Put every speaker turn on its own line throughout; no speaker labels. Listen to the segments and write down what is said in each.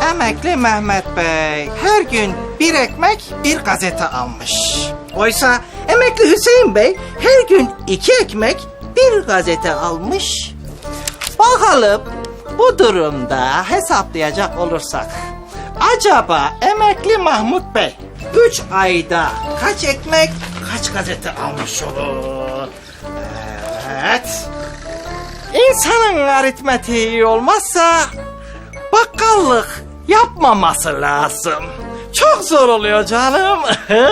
Emekli Mehmet Bey her gün bir ekmek bir gazete almış. Oysa emekli Hüseyin Bey her gün 2 ekmek bir gazete almış. Bakalım bu durumda hesaplayacak olursak acaba emekli Mahmut Bey 3 ayda kaç ekmek kaç gazete almış olur? Evet. İnsanın aritmetiği iyi olmazsa bakkallık yapmaması lazım. Çok zor oluyor canım.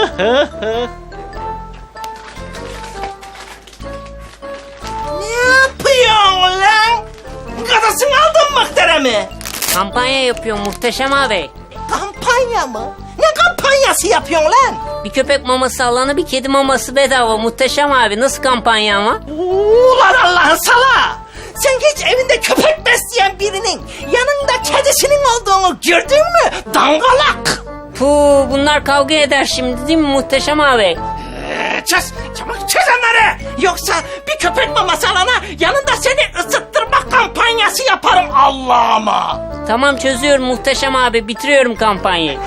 Ne yapıyorsun lan? Gadasını aldın muhteremi.
Kampanya yapıyor Muhteşem abi.
Kampanya mı? Ne kampanyası yapıyorsun lan?
Bir köpek maması alana bir kedi maması bedava Muhteşem abi. Nasıl kampanya ama?
Ulan Allah'ın sala! Sen hiç evinde köpek besleyen birinin yanında kedisinin olduğunu gördün mü? Dangalak!
Puh, bunlar kavga eder şimdi değil mi Muhteşem abi?
Çöz! Çabuk çöz onları! Yoksa bir köpek maması alana yanında seni ısıttırma kampanyası yaparım Allah'ıma!
Tamam, çözüyorum Muhteşem abi. Bitiriyorum kampanyayı.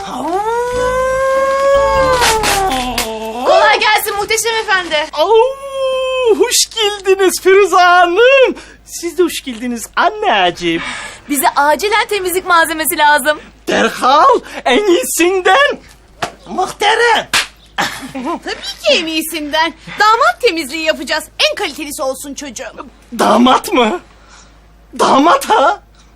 Kolay gelsin Muhteşem Efendi.
Hoş geldiniz Firuze Hanım. Siz de hoş geldiniz anneciğim.
Bize acilen temizlik malzemesi lazım.
Derhal en iyisinden. Muhterem.
Tabii ki en iyisinden. Damat temizliği yapacağız. En kalitelisi olsun çocuğum.
Damat mı? Damat ha?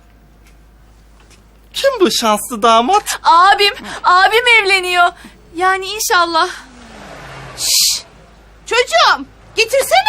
Kim bu şanslı damat?
Abim evleniyor. Yani inşallah. Şşş! Çocuğum, getirsene